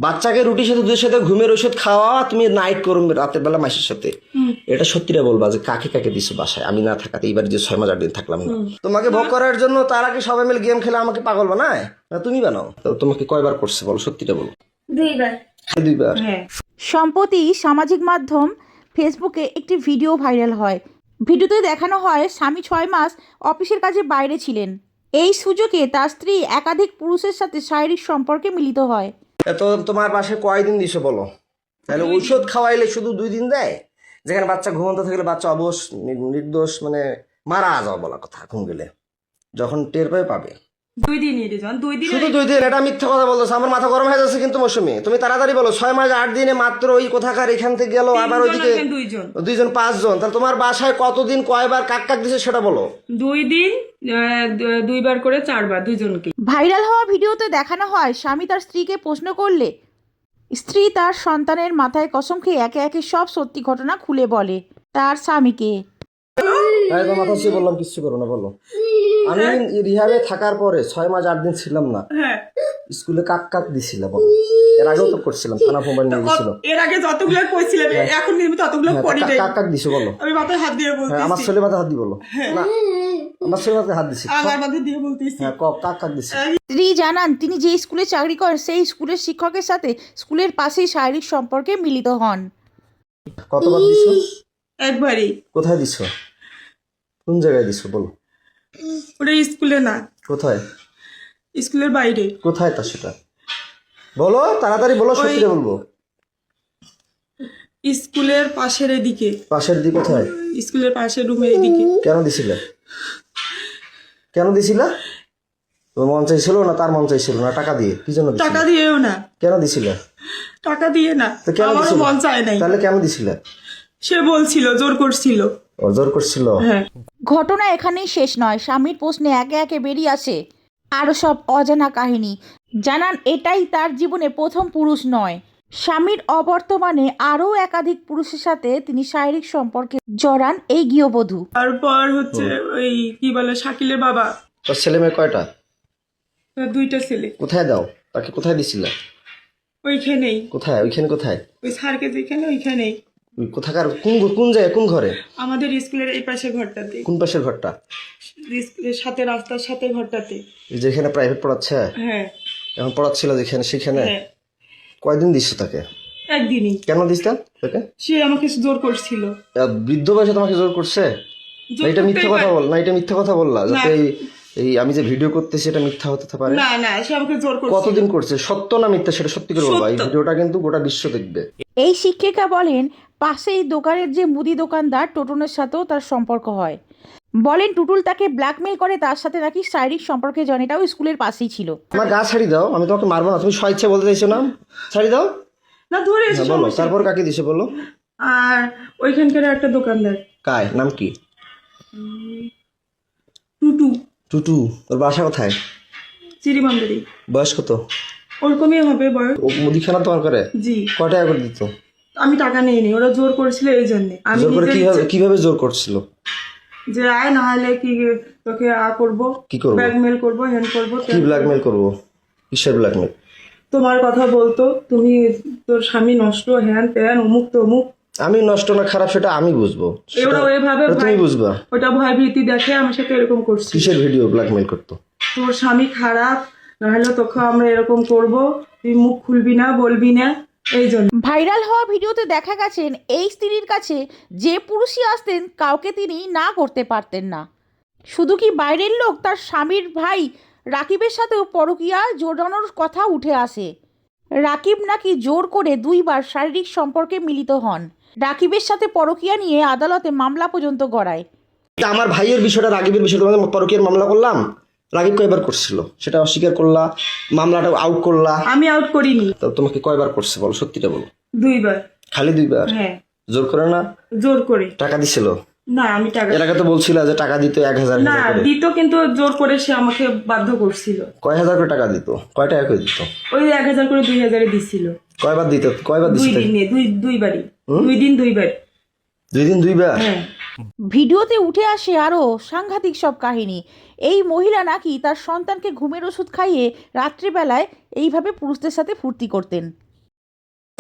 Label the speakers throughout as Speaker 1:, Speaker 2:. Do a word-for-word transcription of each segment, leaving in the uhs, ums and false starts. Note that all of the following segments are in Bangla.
Speaker 1: বাচ্চাকে রুটির সাথে দুধের সাথে ঘুমের ওষুধ খাওয়া, তুমি নাইট করো রাতের বেলা মাসের সাথে, এটা সত্যিটা বলবা যে কাকে কাকে দিছো বাসায় আমি না থাকাতে, এইবার যে ছয় মাস আট দিন থাকলাম না তোমাকে ভোগ করার জন্য, তার আগে সবাই মিলে গেম খেলে আমাকে পাগল বানায় না তুমি বানাও? তো তোমাকে কয়বার করছে বলো, সত্যিটা বলো।
Speaker 2: দুইবার।
Speaker 1: দুইবার।
Speaker 3: সম্প্রতি সামাজিক মাধ্যম ফেসবুকে একটি ভিডিও ভাইরাল হয়। ভিডিওতে দেখানো হয় স্বামী ছয় মাস অফিসের কাজে বাইরে ছিলেন। এই সুযোগে তার স্ত্রী একাধিক পুরুষের সাথে শারীরিক সম্পর্কে মিলিত হয়।
Speaker 1: তো তোমার পাশে কয়দিন দিছো বলো? তাহলে ঔষধ খাওয়াইলে শুধু দুই দিন দেয়, যেখানে বাচ্চা ঘুমন্ত থাকলে বাচ্চা অবশ নির্দোষ মানে মারা যাওয়া বলা কথা, ঘুম গেলে যখন টের পাবে পাবে
Speaker 2: দুই দিনই রিজন, দুই দিন
Speaker 1: শুধু দুই দিন। এটা মিথ্যা কথা বলতেছে, আমার মাথা গরম হয়ে যাচ্ছে কিন্তু মৌসুমি, তুমি তাড়াতাড়ি বলো। ছয় মাস আট দিনে মাত্র ওই কোথাকার এখান থেকে গেল, আবার ওইদিকে
Speaker 2: দুইজন
Speaker 1: দুইজন পাঁচজন, তাহলে তোমার বাসায় কতদিন কয়বার কাক কাক দিছে সেটা বলো।
Speaker 2: দুই দিন দুইবার করে চারবার দুইজনকে।
Speaker 3: ভাইরাল হওয়া ভিডিওতে দেখানো হয় স্বামী তার স্ত্রীকে প্রশ্ন করলে স্ত্রী তার সন্তানের মাথায় কসম খেয়ে একে একে সব সত্যি ঘটনা খুলে বলে তার স্বামীকে।
Speaker 1: মাথা ছুঁয়ে বললাম কিচ্ছু করো না বলো। আমি রিহাবে থাকার পরে ছয় মাস আট দিন ছিলাম না, স্কুলে কাক কাক দিছিল বলো। এর আগেও তো করছিলাম, থানা মোবাইল নিয়ে গেছিল।
Speaker 2: এর আগে যতগুলো কইছিলেন এখন কিন্তু ততগুলো করি নাই।
Speaker 1: কাক কাক দিছো বলো।
Speaker 2: আমি মাথায় হাত দিয়ে বলতেছি।
Speaker 1: হ্যাঁ আমার ছেলে মাথায় হাত দি বলো। না আমার ছেলে মাথায় হাত দিছি।
Speaker 2: আমার মাথায় দিয়ে বলতেছি।
Speaker 1: হ্যাঁ কাক কাক দিছি।
Speaker 3: স্ত্রী জানান তিনি যে স্কুলে চাকরি করেন সেই স্কুলের শিক্ষকের সাথে স্কুলের পাশেই শারীরিক সম্পর্কে মিলিত হন।
Speaker 1: কতবার দিছো?
Speaker 2: একবারই।
Speaker 1: কোথায় দিছো? কোন জায়গায় দিছো বলো।
Speaker 2: ওটা স্কুলে না।
Speaker 1: কোথায়?
Speaker 2: স্কুলের বাইরে।
Speaker 1: কোথায় তা সেটা বলো, তাড়াতাড়ি বলো, সত্যি বলবো।
Speaker 2: স্কুলের পাশের এদিকে।
Speaker 1: পাশের দিকে কোথায়?
Speaker 2: স্কুলের পাশের রুমের এদিকে।
Speaker 1: কেন দিছিলে? কেন দিছিলা? তোমার মন চাইছিল না তার মন চাইছিল না? টাকা দিয়ে কি জন্য দিছিলে?
Speaker 2: টাকা দিয়েও না।
Speaker 1: কেন দিছিলে?
Speaker 2: টাকা দিয়ে না,
Speaker 1: তো কেন
Speaker 2: আমার
Speaker 1: দিছিলে?
Speaker 2: মন চায় নাই।
Speaker 1: তাহলে কেন দিছিলে?
Speaker 2: সে বলছিল জোর করছিল।
Speaker 1: ও জোর করছিল?
Speaker 2: হ্যাঁ।
Speaker 3: ঘটনা এখানেই শেষ নয়, স্বামীর প্রশ্নে একে একে বেরিয়ে আসে আরও সব অজানা কাহিনী। জানান এটাই তার জীবনে প্রথম পুরুষ নয়, স্বামীর অবর্তমানে আরও একাধিক পুরুষের সাথে তিনি শারীরিক সম্পর্কে জড়ান এই গৃহবধূ।
Speaker 2: তারপর হচ্ছে ওই কি বলে শাকিলের বাবা।
Speaker 1: তোর ছেলে মেয়ে কয়টা?
Speaker 2: দুইটা ছেলে।
Speaker 1: কোথায় দাও তাকে? কোথায় দিছিলে?
Speaker 2: ওইখানেই।
Speaker 1: কোথায়? ওইখানে কোথায়?
Speaker 2: ওই স্যারকে যেখানে ওইখানেই।
Speaker 1: কোথাকার? কোন কোন জায়গায়? কোন ঘরে?
Speaker 2: আমাদের স্কুলের এই পাশে ঘরটাতে।
Speaker 1: কোন পাশের ঘরটা?
Speaker 2: স্কুলের সাথে রাস্তার সাথে ঘরটাতে।
Speaker 1: যেখানে প্রাইভেট পড়াচ্ছে?
Speaker 2: হ্যাঁ।
Speaker 1: এখন পড়াচ্ছিল যেখানে সেখানে?
Speaker 2: হ্যাঁ।
Speaker 1: কয়দিন দিচ্ছ তাকে?
Speaker 2: একদিনই।
Speaker 1: কেন দিচ্ছেন তাকে?
Speaker 2: সে আমাকে জোর করছিল।
Speaker 1: বৃদ্ধ বয়সে তোমাকে জোর করছে? না এটা মিথ্যা কথা বল না, এটা মিথ্যা কথা বললা যাতে এই এই আমি যে ভিডিও করতেছি এটা মিথ্যা হতে পারে।
Speaker 2: না না সে আমাকে জোর করছে।
Speaker 1: কতদিন করছে? সত্য না মিথ্যা সেটা সত্যি করে বলবা। এই ভিডিওটা কিন্তু গোটা বিশ্ব দেখবে।
Speaker 3: এই শিক্ষিকা বলেন পাশেই দোকানের যে মুদি দোকানদার টোটনের সাথেও তার সম্পর্ক হয়। বলেন টুটুল তাকে ব্ল্যাকমেল করে তার সাথে নাকি শারীরিক সম্পর্কে জন, এটাও স্কুলের পাশেই ছিল।
Speaker 1: আমার গা ছাড়ি দাও, আমি তোমাকে মারবো না, তুমি স্বেচ্ছা বলতে চাইছো না? ছাড়ি দাও
Speaker 2: না ধরে এসে
Speaker 1: বলো। তারপর কাকে দিছে বলো?
Speaker 2: আর ওইখানকার একটা দোকানদার।
Speaker 1: কায় নাম কি?
Speaker 2: টুটু।
Speaker 1: টুটু। তোর বাসা কোথায়?
Speaker 2: চিরিমান্দারি।
Speaker 1: বয়স কত?
Speaker 2: ওরকমই হবে বয়স।
Speaker 1: ও মুদিখানা তোমার করে?
Speaker 2: জি।
Speaker 1: কয় টাকা করে দিত?
Speaker 2: আমি টাকা নিয়ে নি, ওরা জোর করেছিল এই জন্য। আমি
Speaker 1: জোর করে কিভাবে কিভাবে জোর করছিল?
Speaker 2: যে আয় না হলে কি তোকে আ করবো,
Speaker 1: কি করবো?
Speaker 2: ব্ল্যাকমেল করবো, হ্যান করবো।
Speaker 1: কি ব্ল্যাকমেল করবো? কিসের ব্ল্যাকমেল?
Speaker 2: তোমার কথা বলতো, তুমি তোর স্বামী নষ্ট, হ্যান ত্যান অমুক তমুক।
Speaker 1: আমি নষ্ট না খারাপ সেটা আমি বুঝবো,
Speaker 2: ওরা ওইভাবে
Speaker 1: তুমি বুঝবা।
Speaker 2: ওটা ভয় ভীতি দেখে আমার সাথে এরকম করছে।
Speaker 1: কিসের ভিডিও ব্ল্যাকমেল করতো?
Speaker 2: তোর স্বামী খারাপ, নাহলে তোকে আমরা এরকম করব, তুই মুখ খুলবি না, বলবি না, এই জন্য।
Speaker 3: ভাইরাল হওয়া ভিডিওতে দেখা গেছেন এই স্ত্রীর কাছে যে পুরুষই আসতেন কাউকে তিনি না করতে পারতেন না। শুধু কি বাইরের লোক, তার স্বামীর ভাই রাকিবের সাথেও পরকীয়া জোড়ানোর কথা উঠে আসে। রাকিব নাকি জোর করে দুইবার শারীরিক সম্পর্কে মিলিত হন। রাকিবের সাথে পরকীয়া নিয়ে আদালতে মামলা পর্যন্ত গড়ায়।
Speaker 1: আমার ভাইয়ের বিষয়টা, রাকিবের বিষয়টা, তোমাদের পরকীয়ার মামলা করলাম, রাকিব কয়বার করছিল সেটা অস্বীকার করলা, মামলাটা আউট করলা।
Speaker 2: আমি আউট করিনি।
Speaker 1: তো তোমাকে কয়বার করছে বলো, সত্যিটা বলো।
Speaker 2: দুইবার।
Speaker 1: খালি দুইবার?
Speaker 2: হ্যাঁ।
Speaker 1: জোর করে না?
Speaker 2: জোর করে।
Speaker 1: টাকা দিছিল?
Speaker 2: না আমি টাকা।
Speaker 1: এর আগে তো বলছিল যে টাকা দিত এক হাজার
Speaker 2: না দিত, কিন্তু জোর করে সে আমাকে বাধ্য করছিল।
Speaker 1: কয় হাজার করে টাকা দিত? কয় টাকা করে দিত?
Speaker 2: ওই এক হাজার করে দুই হাজারে দিছিল।
Speaker 1: কয়বার দিত? কয়বার
Speaker 2: দুই
Speaker 1: দিছিল?
Speaker 2: দিনে দুই দুইবারই। দুই দিন দুইবার।
Speaker 1: দুই দিন দুইবার?
Speaker 2: হ্যাঁ।
Speaker 3: ভিডিওতে উঠে আসে আরও সাংঘাতিক সব কাহিনী। এই মহিলা নাকি তার সন্তানকে ঘুমের ওষুধ খাইয়ে রাত্রিবেলায় এইভাবে পুরুষদের সাথে ফুর্তি করতেন।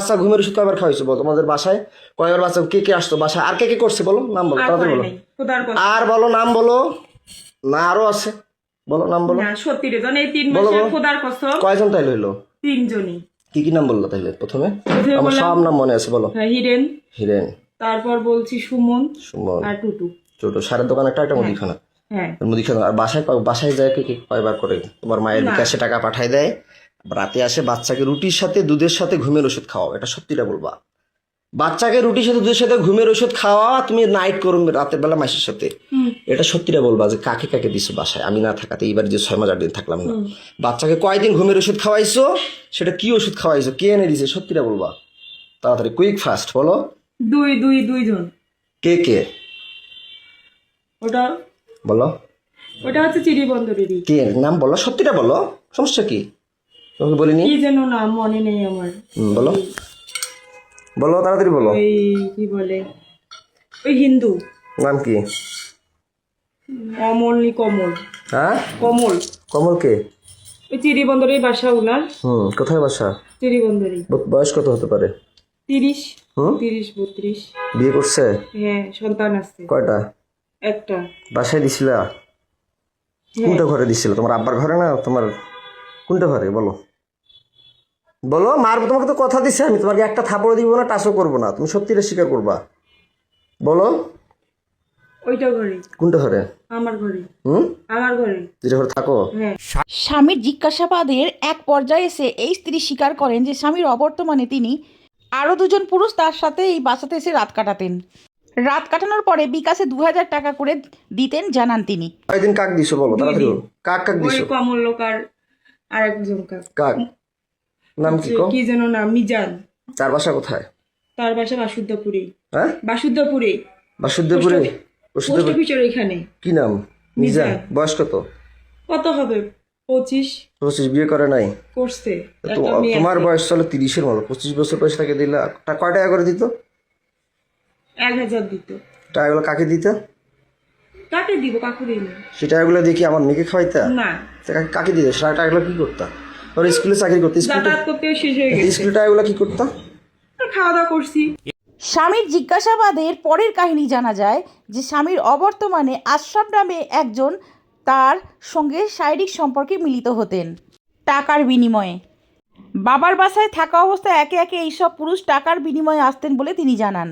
Speaker 1: বাচ্চা ঘুমের ওষুধ কয়বার খাওয়াইছো বলো? তোমাদের বাসায় কয়বার বাচ্চা কে কে আসতো বাসায়? আর কে কে করছে বলো? নাম বলো,
Speaker 2: আর
Speaker 1: তাড়াতাড়ি
Speaker 2: করে
Speaker 1: বলো।
Speaker 2: নাই, খোদার কথা।
Speaker 1: আর বলো, নাম বলো। না আরো আছে, বলো নাম বলো।
Speaker 2: না সত্যি রে, জান এই তিন
Speaker 1: বলো,
Speaker 2: মাসে
Speaker 1: বলো।
Speaker 2: খোদার কসম
Speaker 1: কয়জন তাইলে হইলো?
Speaker 2: তিনজনই।
Speaker 1: কি কি নাম বললো তাইলে প্রথমে?
Speaker 2: প্রথমে
Speaker 1: আমার
Speaker 2: বললাম
Speaker 1: সব নাম মনে আছে, বলো।
Speaker 2: হ্যাঁ, হিরেন,
Speaker 1: হিরেন,
Speaker 2: তারপর বলছি সুমন
Speaker 1: সুমন,
Speaker 2: আর টুটু।
Speaker 1: ছোট সারের দোকান একটা, একটা মুদিখানা।
Speaker 2: হ্যাঁ
Speaker 1: মুদিখানা। আর বাসায় কয়- বাসায় যায় কে কে কয়বার করে? তোমার মায়ের
Speaker 2: না।
Speaker 1: বিকাশে টাকা পাঠায় দেয়, রাতে আসে বাচ্চাকে রুটির সাথে দুধের সাথে ঘুমের ওষুধ খাওয়াও, এটা সত্যিটা বলবা। বাচ্চাকে রুটির সাথে দুধের সাথে ঘুমের ওষুধ খাওয়া, তুমি নাইট করো রাতের বেলা মাসের সাথে, এটা সত্যিটা বলবা যে কাকে কাকে দিছো বাসায় আমি না থাকাতে, এইবার যে ছয় মাস আট দিন থাকলাম না। বাচ্চাকে কয়দিন ঘুমের ওষুধ খাওয়াইছো, সেটা কি ওষুধ খাওয়াইছো, কে এনে দিছে, সত্যিটা বলবা তাড়াতাড়ি, কুইক ফাস্ট বলো।
Speaker 2: দুই দুই দুইজন।
Speaker 1: কে কে
Speaker 2: ওটা
Speaker 1: বলো,
Speaker 2: ওটা হচ্ছে চিড়ি বন্দরেরই।
Speaker 1: কে নাম বলো, সত্যিটা বলো, সমস্যা কি? তোমাকে বলিনি?
Speaker 2: কি যেন নাম মনে নেই আমার।
Speaker 1: হুম, বলো বলো তাড়াতাড়ি বলো।
Speaker 2: ওই কি বলে, ওই হিন্দু
Speaker 1: নাম কি?
Speaker 2: অমল নি কমল,
Speaker 1: হ্যাঁ,
Speaker 2: কমল।
Speaker 1: কমল কে?
Speaker 2: ওই চিড়ি বন্দরের বাসা উনার,
Speaker 1: হুম, কোথায় বাসা?
Speaker 2: চিড়ি বন্দরে।
Speaker 1: ব- বয়স কত হতে পারে?
Speaker 2: তিরিশ
Speaker 1: হুম,
Speaker 2: তিরিশ বত্রিশ।
Speaker 1: বিয়ে করছে?
Speaker 2: হ্যাঁ সন্তান আছে
Speaker 1: কয়টা?
Speaker 2: একটা।
Speaker 1: বাসায় দিছিলা?
Speaker 2: হ্যাঁ,
Speaker 1: কোনটা ঘরে দিছিল? তোমার আব্বার ঘরে না তোমার কোনটা ঘরে বলো? বলো, মার তোমাকে তো কথা দিছে, আমি তোমাকে একটা থাপড় দিব না, টাচও করবো না, তুমি সত্যিটা স্বীকার করবা, বলো।
Speaker 2: ওইটা ঘরে,
Speaker 1: কোনটা ঘরে?
Speaker 2: আমার ঘরে,
Speaker 1: হুম,
Speaker 2: আমার ঘরে।
Speaker 1: যেটা ঘরে থাকো?
Speaker 2: হ্যাঁ
Speaker 3: স্বামীর জিজ্ঞাসাবাদের এক পর্যায়ে এসে এই স্ত্রী স্বীকার করেন যে স্বামীর অবর্তমানে তিনি আরও দুজন পুরুষ তার সাথে এই বাসাতে এসে রাত কাটাতেন। রাত কাটানোর পরে বিকাশে দু হাজার টাকা করে দিতেন জানান তিনি।
Speaker 1: কয়দিন কাক দিছো বলো তাড়াতাড়ি বলো। কাক কাক
Speaker 2: ওই
Speaker 1: দিছো?
Speaker 2: কমল লোক আর আরেকজন কাক,
Speaker 1: কাক নাম কি কো?
Speaker 2: কি যেন নাম, মিজান।
Speaker 1: তার বাসা কোথায়?
Speaker 2: তার বাসা বাসুদ্ধপুরে।
Speaker 1: হ্যাঁ,
Speaker 2: বাসুদ্ধপুরে,
Speaker 1: বাসুদেবপুরে।
Speaker 2: পোস্ট
Speaker 1: বাসুদেবপুর
Speaker 2: অফিসের এখানে।
Speaker 1: কি নাম? মিজান।
Speaker 2: মিজান।
Speaker 1: বয়স কত?
Speaker 2: কত হবে, পঁচিশ
Speaker 1: পঁচিশ। বিয়ে করে নাই?
Speaker 2: করছে।
Speaker 1: তো
Speaker 2: একটা মেয়ে
Speaker 1: তোমার
Speaker 2: আছে।
Speaker 1: বয়স চলো তিরিশের মতো, পঁচিশ বছর বয়স তাকে দিলা, তা কয় টাকা করে দিত?
Speaker 2: এক হাজার দিত।
Speaker 1: টাকাগুলো কাকে দিত?
Speaker 2: কাকে দিব, কাকু দিই না।
Speaker 1: সে টাকাগুলো দিয়ে কি আমার মেয়েকে খাওয়াইতা?
Speaker 2: না,
Speaker 1: তা কাকে- কাকে দিত? সে টাকাগুলো কি করতা? ওর স্কুলে চাকরি করতে, স্কুলে
Speaker 2: যাতায়াত করতেও শেষ হয়ে গেছে।
Speaker 1: স্কুলে টাকাগুলো কি করতা?
Speaker 2: আর খাওয়া দাওয়া করছি।
Speaker 3: স্বামীর জিজ্ঞাসাবাদের পরের কাহিনী জানা যায় যে স্বামীর অবর্তমানে আশরাফ নামে একজন তার সঙ্গে শারীরিক সম্পর্কে মিলিত হতেন টাকার বিনিময়ে। বাবার বাসায় থাকা অবস্থায় একে একে এইসব পুরুষ টাকার বিনিময়ে আসতেন বলে তিনি জানান।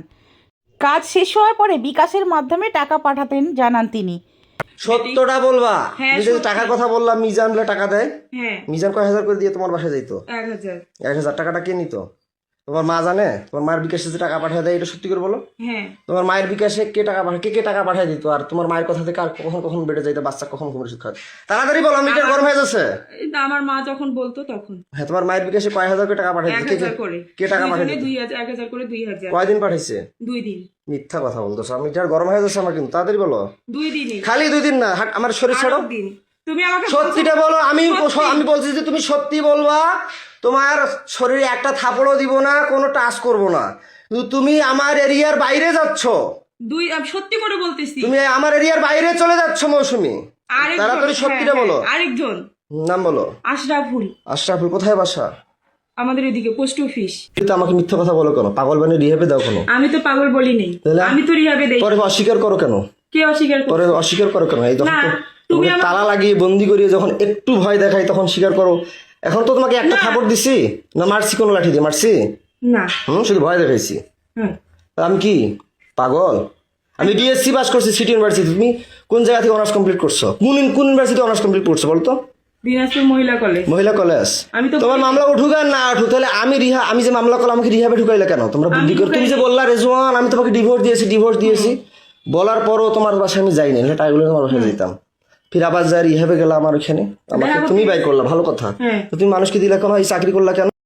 Speaker 3: কাজ শেষ হওয়ার পরে বিকাশের মাধ্যমে টাকা পাঠাতেন জানান তিনি।
Speaker 1: সত্যটা বলবা।
Speaker 2: হ্যাঁ,
Speaker 1: তুমি যে
Speaker 2: সত্যি।
Speaker 1: টাকার কথা বললাম, মিজান বলে টাকা দেয়,
Speaker 2: হ্যাঁ
Speaker 1: মিজান কয় হাজার করে দিয়ে তোমার বাসায় যাইতো?
Speaker 2: এক হাজার।
Speaker 1: এক হাজার টাকাটা কে নিত? তোমার মা জানে? তোমার মায়ের বিকাশে যে টাকা পাঠিয়ে দেয়, এটা সত্যি করে বলো।
Speaker 2: হ্যাঁ
Speaker 1: তোমার মায়ের বিকাশে কে টাকা পাঠায়, কে কে টাকা পাঠিয়ে দিত? আর তোমার মায়ের কথা থেকে আর কখন কখন বেড়ে যাইতো, বাচ্চা কখন ঘুমের ওষুধ খায়? তাড়াতাড়ি বলো, মিটার গরম হয়ে যাচ্ছে।
Speaker 2: এই তো আমার মা যখন বলতো তখন
Speaker 1: হ্যাঁ, তোমার মায়ের বিকাশে কয় হাজার করে টাকা পাঠিয়ে
Speaker 2: এক
Speaker 1: দিত? কে
Speaker 2: হাজার
Speaker 1: কে-
Speaker 2: করে।
Speaker 1: কে টাকা পাঠিয়ে
Speaker 2: দুইজনে
Speaker 1: দিত?
Speaker 2: দুই হাজার, এক হাজার করে দুই হাজার।
Speaker 1: কয়দিন পাঠাইছে?
Speaker 2: দুই দিন।
Speaker 1: মিথ্যা কথা বলতেছো, মিটার গরম হয়ে যাচ্ছে আমার কিন্তু, তাড়াতাড়ি বলো।
Speaker 2: দুই দিনই।
Speaker 1: খালি দুই দিন না, হাট আমার শরীর ছাড়ো।
Speaker 2: আরো দিন। তুমি আমাকে
Speaker 1: সত্যিটা বলো। আমি
Speaker 2: সত্যি।
Speaker 1: আমি বলছি যে তুমি সত্যি বলবা, তোমার শরীরে একটা থাপড়ও দিব না, কোনো টাচ করব না, কিন্তু তুমি আমার এরিয়ার বাইরে যাচ্ছ,
Speaker 2: দুই, আমি সত্যি করে বলতেছি।
Speaker 1: তুমি আমার এরিয়ার বাইরে চলে যাচ্ছ মৌসুমি,
Speaker 2: আরেকজন,
Speaker 1: তাড়াতাড়ি সত্যিটা
Speaker 2: হ্যাঁ,
Speaker 1: বলো।
Speaker 2: হ্যাঁ, আরেকজন
Speaker 1: নাম বলো।
Speaker 2: আশরাফুল,
Speaker 1: আশরাফুল। কোথায় বাসা?
Speaker 2: আমাদের এদিকে পোস্ট অফিস।
Speaker 1: কিন্তু আমাকে মিথ্যা কথা বলো কেন? পাগল বানিয়ে রিহেবে দাও কেন?
Speaker 2: আমি তো পাগল বলি নেই,
Speaker 1: তাহলে?
Speaker 2: আমি তো রিহাবে দেই।
Speaker 1: পরে অস্বীকার করো কেন?
Speaker 2: কে অস্বীকার করে?
Speaker 1: পরে অস্বীকার করো কেন? এই যখন
Speaker 2: না,
Speaker 1: তো-
Speaker 2: তুমি
Speaker 1: তোমাকে
Speaker 2: আমার-
Speaker 1: তালা লাগিয়ে বন্দি করিয়ে যখন একটু ভয় দেখাই তখন স্বীকার করো। এখন তো তোমাকে একটা থাপড় দিছি না, মারছি কোনো লাঠি দিয়ে মারছি?
Speaker 2: না।
Speaker 1: হুম, শুধু ভয় দেখাইছি।
Speaker 2: হ্যাঁ
Speaker 1: তা আমি কি পাগল? আমি ডিএসসি পাস করছি সিটি ইউনিভার্সিটি। তুমি কোন জায়গা থেকে অনার্স কমপ্লিট করছো? কোন কোন ইউনিভার্সিটি অনার্স কমপ্লিট করছো বলতো?
Speaker 2: দিনাজপুর মহিলা কলেজ।
Speaker 1: মহিলা কলেজ।
Speaker 2: আমি তো
Speaker 1: তোমার মামলা উঠুক আর না উঠুক, তাহলে আমি রিহা আমি যে মামলা করলাম আমাকে রিহাবে ঢুকাইলে কেন তোমরা? বুদ্ধি করে তুমি যে বললা রেজওয়ান আমি তোমাকে ডিভোর্স দিয়েছি ডিভোর্স দিয়েছি বলার পরও তোমার বাসায় আমি যাইনি, না টাইগুলো তোমার বাসায় যেতাম, ফির আবার যাই রিহাবে গেলাম আমার ওখানে, আমাকে
Speaker 2: দেখা
Speaker 1: তুমি
Speaker 2: করতে-
Speaker 1: বাই করলা, ভালো কথা।
Speaker 2: হ্যাঁ।
Speaker 1: তো তুমি মানুষকে দিলা কেন? এই চাকরি করলা কেন?